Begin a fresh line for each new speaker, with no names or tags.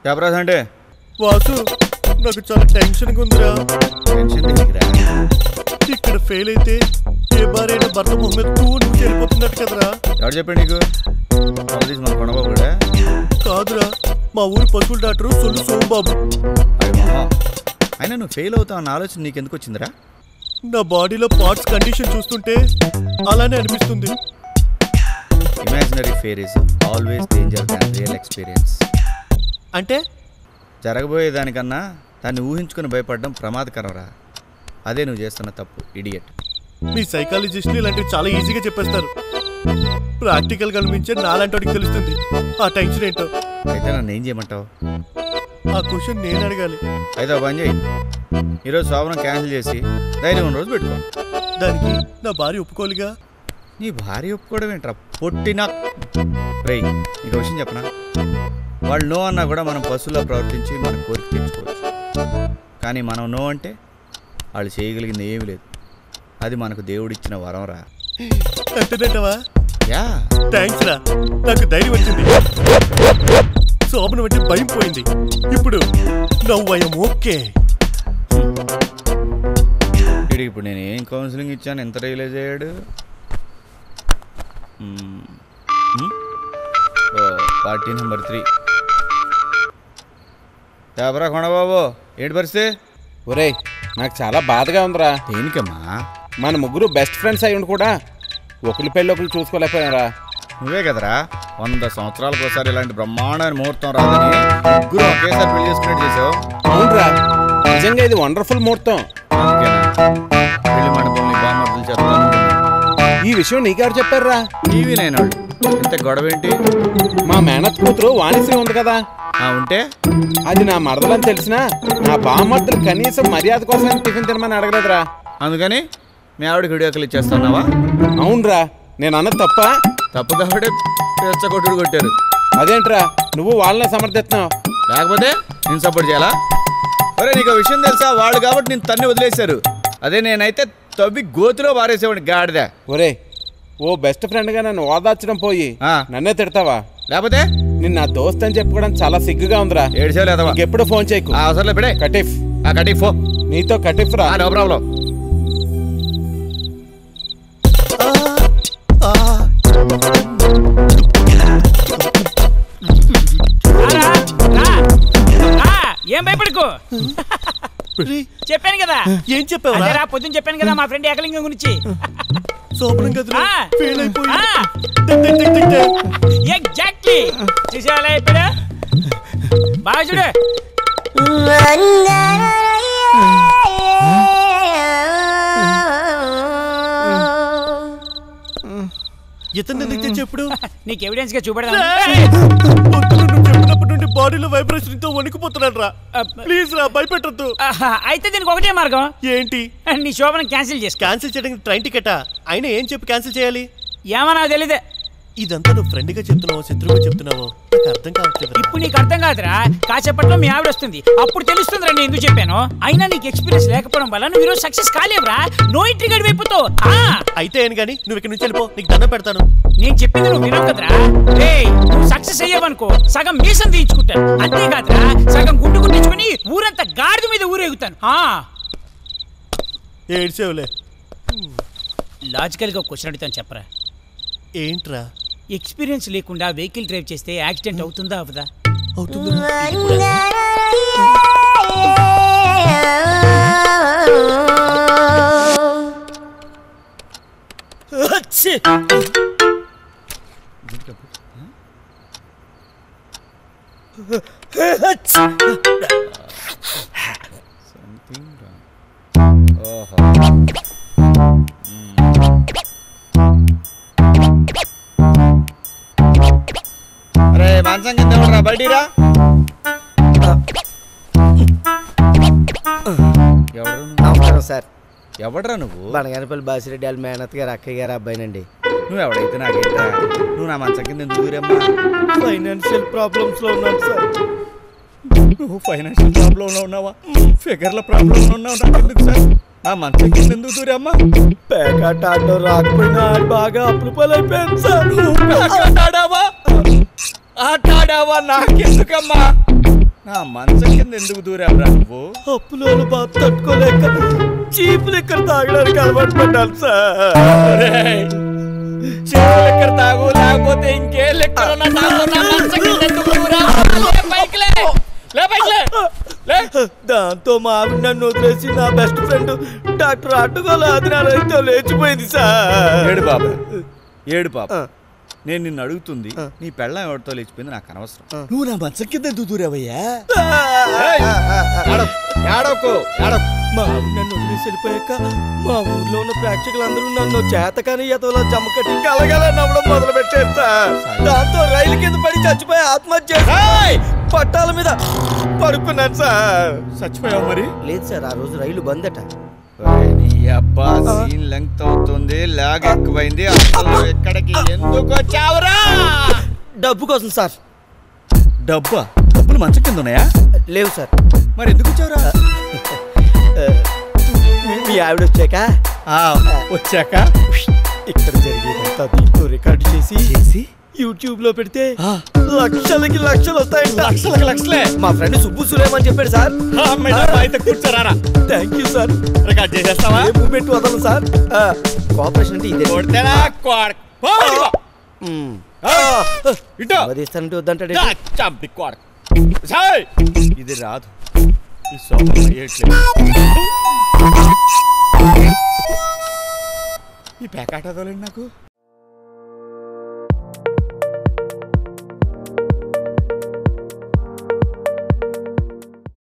చెప్పరాదు అంటే
వాసు నాకు చాలా టెన్షన్గా ఉందిరా.
టెన్షన్
ఇక్కడ ఫెయిల్ అయితే ఏ భార్య భర్త మొహం మీద తూని వెళ్ళిపోతున్నట్టు కదరా.
ఎవరు చెప్పాడు నీకు? మన కొండబాబు కూడా
కాదురా, మా ఊరు పశువుల డాక్టరు సొల్లు సోమబాబు.
అయినా నువ్వు ఫెయిల్ అవుతావు అన్న ఆలోచన నీకెందుకు వచ్చిందిరా?
నా బాడీలో పార్ట్స్ కండిషన్ చూస్తుంటే అలానే అనిపిస్తుంది.
Imaginary fear is always danger than real experience.
అంటే
జరగబోయేదానికన్నా దాన్ని ఊహించుకుని భయపడడం ప్రమాదకరం రా. అదే నువ్వు చేస్తున్న తప్పు, ఇడియట్.
మీ సైకాలజిస్టులు ఇలాంటివి చాలా ఈజీగా చెప్పేస్తారు. ప్రాక్టికల్ గా అనిపించే నాలాంటి తెలుస్తుంది ఆ టెన్షన్ ఏంటో.
అయితే నన్ను ఏం చేయమంటావు?
ఆ క్వశ్చన్ నేను అడగాలి. అయితే
పని చేయి, ఈరోజు శోభనం క్యాన్సిల్ చేసి ధైర్యం రోజు పెట్టుకో.
దానికి నా భార్య ఒప్పుకోలిగా.
నీ భార్య ఒప్పుకోవడం ఏంట్రా పొట్టినా? రేయ్ నీకు విషయం చెప్పనా, వాళ్ళు నో అన్నా కూడా మనం పశువులా ప్రవర్తించి మన కోరిక తెచ్చుకోవచ్చు. కానీ మనం నో అంటే వాళ్ళు చేయగలిగింది ఏమీ లేదు. అది మనకు దేవుడిచ్చిన వరం రా.
అంతేనంటవా?
యా,
థ్యాంక్స్ రా, నాకు ధైర్యం వచ్చింది. శోభనం అంటే భయం పోయింది. ఇప్పుడు నవ్వయం ఓకే.
ఇప్పుడు నేను ఏం కౌన్సిలింగ్ ఇచ్చాను, ఎంత రియలైజ్ అయ్యాడు? Party number 3. ఎవరా కొండబాబు, ఏంటి పరిస్థితి?
ఒరే నాకు చాలా బాధగా ఉందిరా.
దేనికమ్మా?
మన ముగ్గురు బెస్ట్ ఫ్రెండ్స్ అయ్యి ఉండి కూడా ఒకరి పెళ్ళి ఒకరు చూసుకోలేకపోయారా?
నువ్వే కదరా 100 సంవత్సరాలకు ఒకసారి ఇలాంటి బ్రహ్మాండమైన ముహూర్తం రాదని ముగ్గురు ఒకేసారి పెళ్లి చేసుకునేట్టు చేసావు.
అవునరా, నిజంగా ఇది వండర్ఫుల్ ముహూర్తం.
అందుకేనా పెళ్లి మండపం బామర్దులు చెప్తాను.
ఈ విషయం నీకెవరు చెప్పారా?
టీవీ నైనాడు. ఇంత గొడవ ఏంటి?
మా మేనత్ కూతురు వాణిశ్రీ ఉంది కదా,
ఉంటే
అది నా మరదలని తెలిసినా నా బామర్దులు కనీసం మర్యాద కోసం టిఫిన్ తినమని అడగలేదురా.
అందుకని మీ ఆవిడకి వీడియోకలు ఇచ్చేస్తున్నావా?
అవునరా, నేను అన్నది
తప్పు కాబట్టి కొట్టుడు కొట్టారు.
అదేంట్రా నువ్వు వాళ్ళని సమర్థిస్తున్నావు?
లేకపోతే నేను సపోర్ట్ చేయాలా? ఒరే నీకు విషయం తెలుసా, వాళ్ళు కాబట్టి నేను తన్ని వదిలేశారు. అదే నేనైతే తవ్వి గోతులో పారేసేవాడిని గాడిద.
ఒరే ఓ బెస్ట్ ఫ్రెండ్ గా నన్ను ఓదార్చడం పోయి నన్నే తిడతావా?
లేకపోతే
నిన్న నా దోస్త్ అని చెప్పుకోవడం చాలా సిగ్గుగా ఉందిరా.
ఏడ్చేలేదవా?
ఎప్పుడు ఫోన్ చేయకు.
అవసరం ఇప్పుడే
కటిఫ్
కటిఫ్
నీతో కటిఫ్ రా.
No problem.
ఏం భయపడకు, చెప్పాను కదా.
ఏం చెప్పావు?
పొద్దున్న చెప్పాను కదా మా ఫ్రెండ్ ఏకలింగం గురించి. ఎగ్జాక్ట్లీ చూసేవాళ్ళ ఇప్పుడు బాగా చూడు.
ఇతను చెప్పుడు
నీకు ఎవిడెన్స్ గా చూపెడదా?
చెప్పినప్పటి నుండి బాడీలో వైబ్రేషన్ తో వణికిపోతున్నాడు రా. ప్లీజ్ రా, భయపెట్టద్దు.
అయితే దీనికి ఒకటే మార్గం.
ఏంటి?
నీ శోభనం క్యాన్సిల్ చేసి.
క్యాన్సిల్ చేయడానికి ట్రైన్ టికెటా? అయినా ఏం చెప్పి క్యాన్సిల్ చేయాలి?
ఏమన్నా తెలీదే.
ఇదంతా నువ్వు ఫ్రెండ్ గా చెప్తున్నావో శత్రువుగా చెప్తున్నావో నాకు అర్థం కావట్లేదు.
ఇప్పుడు నీకు అర్థం కాదురా, కాసేపట్లో మీ ఆవిడ వస్తుంది, అప్పుడు తెలుస్తుందిరా నేను ఎందుకు చెప్పాను. అయినా నీకు ఎక్స్పీరియన్స్ లేకపోవడం వల్ల నువ్వు ఈరోజు సక్సెస్ కాలేవురా. నో ఎంట్రీ గడి వైపుతో.
అయితే ఏం గానీ నువ్వు ఇక్కడ నుంచి వెళ్ళిపో, నీకు దండం పెడతాను.
నేను చెప్పింది నువ్వు వినవు కదరా. నువ్వు సక్సెస్ అయ్యావనుకో సగం మీసం తీయించుకుంటాను, అంతేకాదురా సగం గుండు గుట్టించుకుని ఊరంతా గాడిద మీద ఊరేగుతాను.
ఏడ్చేవులే.
లాజికల్ గా క్వశ్చన్ అడుగుతాను, చెప్పరా.
ఏంట్రా?
ఎక్స్పీరియన్స్ లేకుండా వెహికల్ డ్రైవ్ చేస్తే యాక్సిడెంట్ అవుతుందా అవదా?
అవుతుంది.
అరే మాంసం కింద ఎవడరా, బయటిరా.
నమస్కారం సార్.
ఎవడరా నువ్వు?
బనగానపల్లి బాసిరెడ్డి వాళ్ళ మేనత్ గారు అక్కయ్య గారు అబ్బాయినండి.
నువ్వు ఎవడైతే నాకేంటా? నువ్వు నా మంచం కింద ఎందుకు దూరమ్మా?
ఫైనాన్షియల్ ప్రాబ్లమ్స్ లో ఉన్నాను సార్.
నువ్వు ఫైనాన్షియల్ ప్రాబ్లం లో ఉన్నావా? ఫిగర్ల ప్రాబ్లం లో ఉన్నావు, నాకెందుకు సార్? ఆ మంచం కింద ఎందుకు దూరమ్మా?
పేకాట ఆడడం రాకపోయినా బాగా అప్పులు పాలైపోయాను సార్.
ఆట ఆడావా? నాకెందుకమ్మా? నా మంచం కింద ఎందుకు దూరావురా నువ్వు?
అప్పులోను బాధ తట్టుకోలేక చీపులు ఇక్కడ తాగడానికి అలవాటు పడ్డాను సార్.
లెక్కర తాగు లేకపోతే ఇంకే లెక్కర
దాంతో మా ఆవిడ నన్ను వదిలేసి నా బెస్ట్ ఫ్రెండ్ డాక్టర్ అడ్డుగోల ఆదినారాయణతో లేచిపోయింది సార్.
ఏడు బాబు ఏడు పాప. నేను నిన్ను అడుగుతుంది నీ పెళ్ళం ఎవరితో లేచిపోయింది నాకు అనవసరం.
నువ్వు నా మంచం కింద ఎందుకు దూరావయ్యా? మా ఆవిడ నన్ను వదిలేసి వెళ్ళిపోయాక మా ఊర్లో ఉన్న ప్రేక్షకులందరూ నన్ను చేతకాని ఎతవలా జమ్మ కట్టి కలగల నవ్వడం మొదలు పెట్టారు సార్. దాంతో రైలు కింద పడి చచ్చిపోయి ఆత్మహత్య చేసి పట్టాల మీద పడుకున్నాను సార్.
చచ్చిపోయావు మరి?
లేదు సార్, ఆ రోజు రైలు బంద్ అట.
నీ అబ్బా సీన్ లెంగ్త్ అవుతుంది, లాగ్ ఎక్కువైంది. అసలు ఎక్కడికి ఎందుకు వచ్చావురా?
డబ్బు కోసం సార్.
డబ్బా? డబ్బులు మంచం కింద ఉన్నాయా?
లేవు సార్.
మరి ఎందుకు వచ్చావురా?
మీ ఆవిడ వచ్చాక
వచ్చాక
ఇక్కడ జరిగేదంతా దీంతో రికార్డు చేసి యూట్యూబ్ లో పెడితే లక్షలకి లక్షలు వస్తాయంట.
లక్షలకి లక్షలే.
మా ఫ్రెండ్ సుబ్బు సులేమని చెప్పాడు సార్.
అయితే కూర్చోరారా.
Thank you sir.
రికార్డ్ చేసేస్తావా?
ఏ మూమెంట్ వదలను సార్. కోఆపరేషన్ అంటే ఇదే. ఇస్తానంటే వద్దంటాడు.
ఇది రాదు. ఈ సోఫా ఈ ప్యాకెట్ అదోలేండి నాకు.